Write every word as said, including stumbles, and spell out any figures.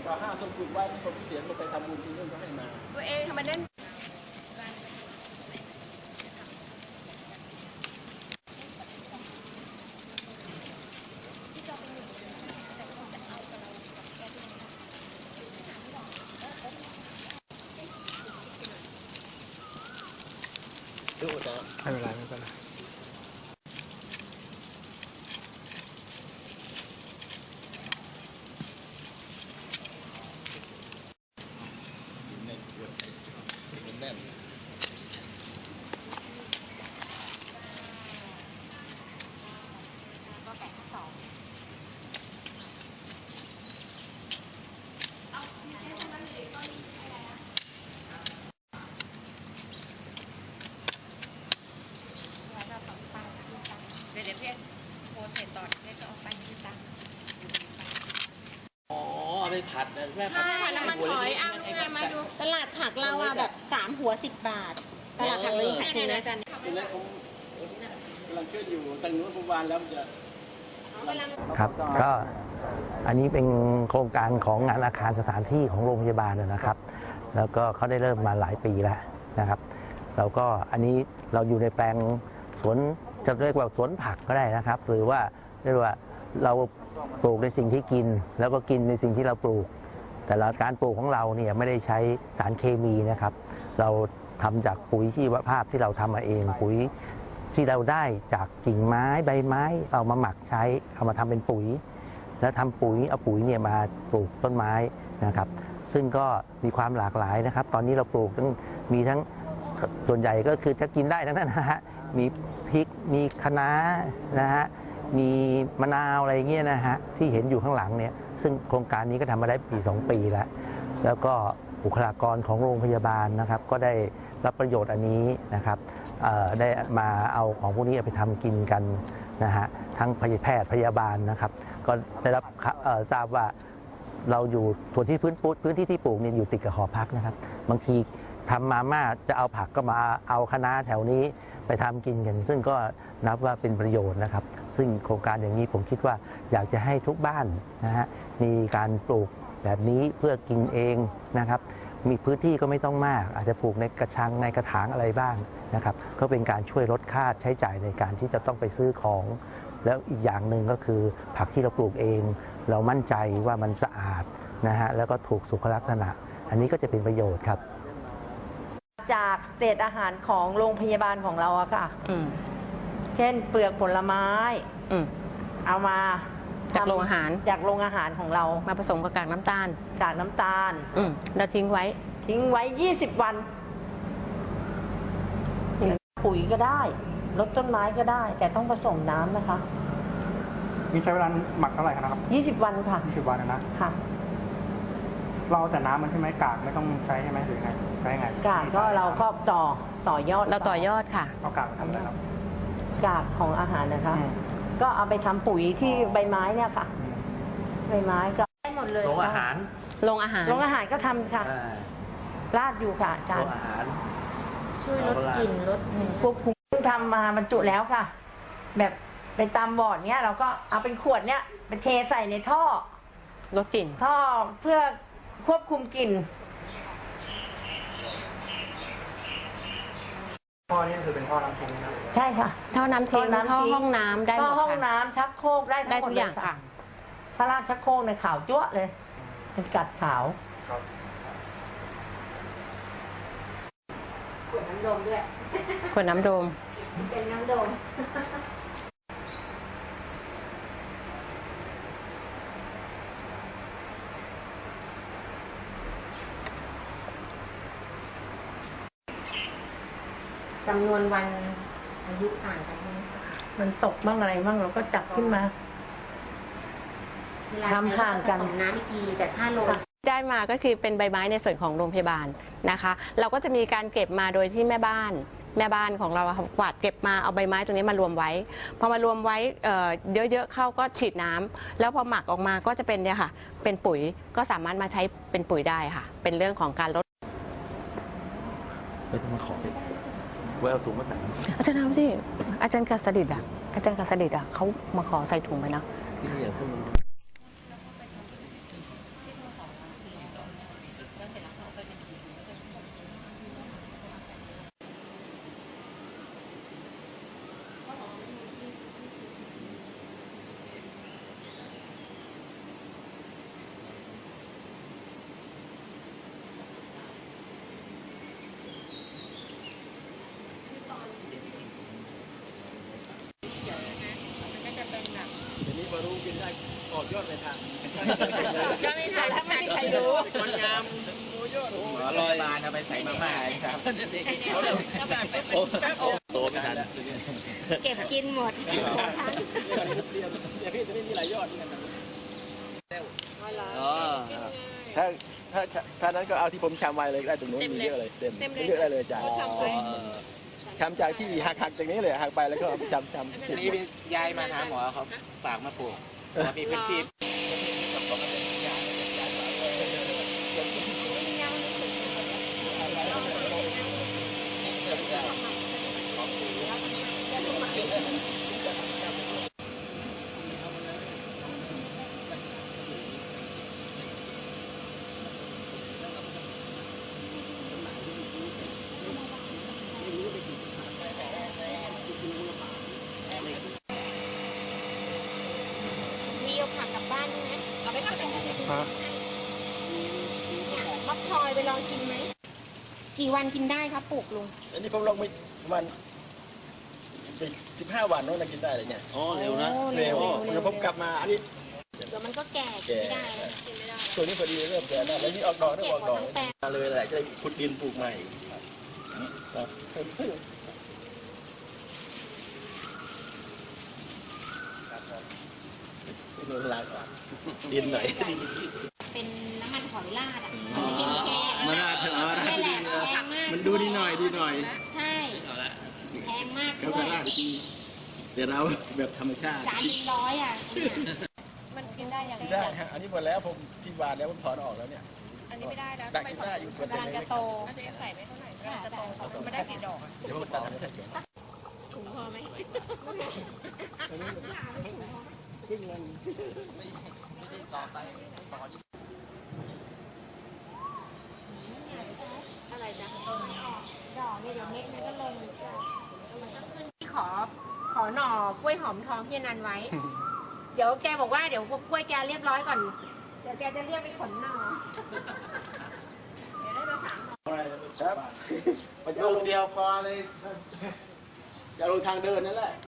ต่อห้าส่งปลูกไว้มีคนเสียงลงไปทำบุญที่นู่นก็ให้มาตัวเองทำไมเล่นดูนะไม่เป็นไรไม่เป็นไรเดี๋ยวเพื่อนโพสเสร็จตอนเพื่อนก็เอาไปที่ตั้งอ๋อไปผัดนะแม่ผัดน้ำมันหอยเอาไงมาดูตลาดผักเราอะแบบสามหัวสิบบาทตลาดผักเราขายที่ไหนจันทีแรกผมกำลังช่วยอยู่ตั้งนู้นผมวานแล้วจะครับก็อันนี้เป็นโครงการของงานอาคารสถานที่ของโรงพยาบาลนะครับแล้วก็เขาได้เริ่มมาหลายปีแล้วนะครับเราก็อันนี้เราอยู่ในแปลงสวนจะเรียกว่าสวนผักก็ได้นะครับหรือว่าเรียกว่าเราปลูกในสิ่งที่กินแล้วก็กินในสิ่งที่เราปลูกแต่ละการปลูกของเราเนี่ยไม่ได้ใช้สารเคมีนะครับเราทำจากปุ๋ยชีวภาพที่เราทำมาเองปุ๋ยที่เราได้จากกิ่งไม้ใบไม้เอามาหมักใช้เอามาทำเป็นปุ๋ยแล้วทำปุ๋ยเอาปุ๋ยเนี่ยมาปลูกต้นไม้นะครับซึ่งก็มีความหลากหลายนะครับตอนนี้เราปลูกทั้งมีทั้งส่วนใหญ่ก็คือจะกินได้ทั้งนั้นนะฮะมีพริกมีคะน้านะฮะมีมะนาวอะไรเงี้ยนะฮะที่เห็นอยู่ข้างหลังเนี่ยซึ่งโครงการนี้ก็ทำมาได้ปีสองปีแล้วแล้วก็บุคลากรของโรงพยาบาลนะครับก็ได้รับประโยชน์อันนี้นะครับได้มาเอาของพวกนี้ไปทำกินกันนะฮะทั้งพยาแพทย์พยาบาลนะครับก็ได้รับทราบว่าเราอยู่ส่วนที่พื้นพื้นที่ที่ปลูกเนี่ยอยู่ติดกับหอพักนะครับบางทีทำมาม่าจะเอาผักก็มาเอาคะน้าแถวนี้ไปทำกินกันซึ่งก็นับว่าเป็นประโยชน์นะครับซึ่งโครงการอย่างนี้ผมคิดว่าอยากจะให้ทุกบ้านนะฮะมีการปลูกแบบนี้เพื่อกินเองนะครับมีพื้นที่ก็ไม่ต้องมากอาจจะปลูกในกระชังในกระถางอะไรบ้างนะครับก็เป็นการช่วยลดค่าใช้จ่ายในการที่จะต้องไปซื้อของแล้วอีกอย่างหนึ่งก็คือผักที่เราปลูกเองเรามั่นใจว่ามันสะอาดนะฮะแล้วก็ถูกสุขลักษณะอันนี้ก็จะเป็นประโยชน์ครับจากเศษอาหารของโรงพยาบาลของเราอะค่ะเช่นเปลือกผลไม้เอามาจากโรงอาหารจากโรงอาหารของเรามาผสมกับกากน้ำตาลกากน้ำตาลแล้วทิ้งไว้ทิ้งไว้ยี่สิบวันปุ๋ยก็ได้รดต้นไม้ก็ได้แต่ต้องผสมน้ำนะคะมีใช้เวลาหมักเท่าไหร่ครับยี่สิบวันค่ะยี่สิบวันนะค่ะเราแต่น้ำมันใช่ไหมกากไม่ต้องใช้ใช่ไหมหรือไงใช้ไงกากก็เราก็ต่อต่อยอดเราต่อยอดค่ะเอากากทำอะไรครับกากของอาหารนะคะก็เอาไปทำปุ๋ยที่ใบไม้เนี่ยค่ะใบไม้ก็ได้หมดเลยโรงอาหารโรงอาหารโรงอาหารก็ทำค่ะราดอยู่ค่ะอาจารย์โรงอาหารช่วยลดกลิ่นลดควบคุมทำมาบรรจุแล้วค่ะแบบไปตามบอร์ดเนี้ยเราก็เอาเป็นขวดเนี้ยไปเทใส่ในท่อลดกลิ่นท่อเพื่อควบคุมกลิ่นท่อนี่คือเป็นท่อน้ำทิ้งนะใช่ค่ะท่อน้ำทิ้งท่อห้องน้ำได้หมดท่อห้องน้ำชักโครกได้ได้ทุกอย่างค่ะถ้าราดชักโครกในขาวจั๊วะเลยเป็นกัดขาวขวดน้ำดมด้วยขวดน้ำดมเป็นน้ำดมจำนวนวันอายุต่างกันไหมมันตกบ้างอะไรบ้างเราก็จับขึ้นมาทำห่างกันน้ำทีแต่ถ้าลงได้มาก็คือเป็นใบไม้ในส่วนของโรงพยาบาลนะคะเราก็จะมีการเก็บมาโดยที่แม่บ้านแม่บ้านของเรากวาดเก็บมาเอาใบไม้ตรงนี้มารวมไว้พอมารวมไว้เยอะๆเข้าก็ฉีดน้ำแล้วพอหมักออกมาก็จะเป็นเนี่ยค่ะเป็นปุ๋ยก็สามารถมาใช้เป็นปุ๋ยได้ค่ะเป็นเรื่องของการลดไม่ต้องมาขอไว้เอาถุงมาใส่อาจารย์เอาสิอาจารย์กษดิตอ่ะอาจารย์กษดิตอ่ะเขามาขอใส่ถุงไปนะที่นี่อย่างพวกมันได้ออกยอดไปทางก็ไม่ใช่แล้วไม่มีใครรู้คนงามโอ้ยอดโอ้หมอลอยบานเอาไปใส่มาม่าครับโตไม่ทันเก็บกินหมดเนี่ยพี่จะไม่มีหลายยอดนี่กันอ๋อถ้าถ้าถ้านั้นก็เอาที่ผมชำไว้เลยได้ตรงนู้นมีเยอะเลยเต็มเยอะได้เลยจ้ะชำจากที่หักหักจากนี้เลยหักไปแล้วก็ชำชำนี่ยายมาหาหมอเขาฝากมาปลูกมีพื้นที่มีเอาผักกลับบ้านด้วยไหมเอาไปผักกลับบ้านเนี่ยมักซอยไปลองชิมไหม กี่วันกินได้ครับปลูกลุงอันนี้ผมลงไปประมาณสิบห้าวันโน้นนะกินได้เลยเนี่ยอ๋อเร็วนะเร็วเดี๋ยวผมกลับมาอันนี้เดี๋ยวมันก็แก่กินไม่ได้แล้วกินไม่ได้ตัวนี้พอดีเริ่มแก่แล้วแล้วนี่ออกดอกได้เก็บออกหมดดอกทั้งแปลงมาเลยแหละจะได้ขุดดินปลูกใหม่ครับนี่ดูลายก่อนดินหน่อยเป็นน้ำมันหอยลาดอ่ะมันน่าถึงเอาละนี่แหละแพงมากมันดูดีหน่อยดีหน่อยใช่แพงมากเขาด้วก็ยล่าดีเดี๋ยวเราแบบธรรมชาติจานเป็นร้อยอ่ะมันกินได้ยังไงได้ฮะอันนี้หมดแล้วผมที่วานแล้วผมถอนออกแล้วเนี่ยอันนี้ไม่ได้แล้วได้กินได้อยู่ส่วนกำลังจะโตเใส่ไม่เท่าไหร่กำลังจะโตไม่ได้กี่ดอกดี๋ยวผมตัดให้เสร็จก่อนถุงพอไหม อะไรจ๊ะดอกนี่เดี๋ยวเม็ดมันก็ลงมันก็ขึ้นที่ขอขอหน่อกล้วยหอมทองพี่อนันต์ไว้ เดี๋ยวแกบอกว่าเดี๋ยวกล้วยแกเรียบร้อยก่อน เดี๋ยวแกจะเรียกไปขนหน่อ เดี๋ยวได้มาสามหน่อครับมันโยกเดียวพอเลยจะลงทางเดินนั่นแหละ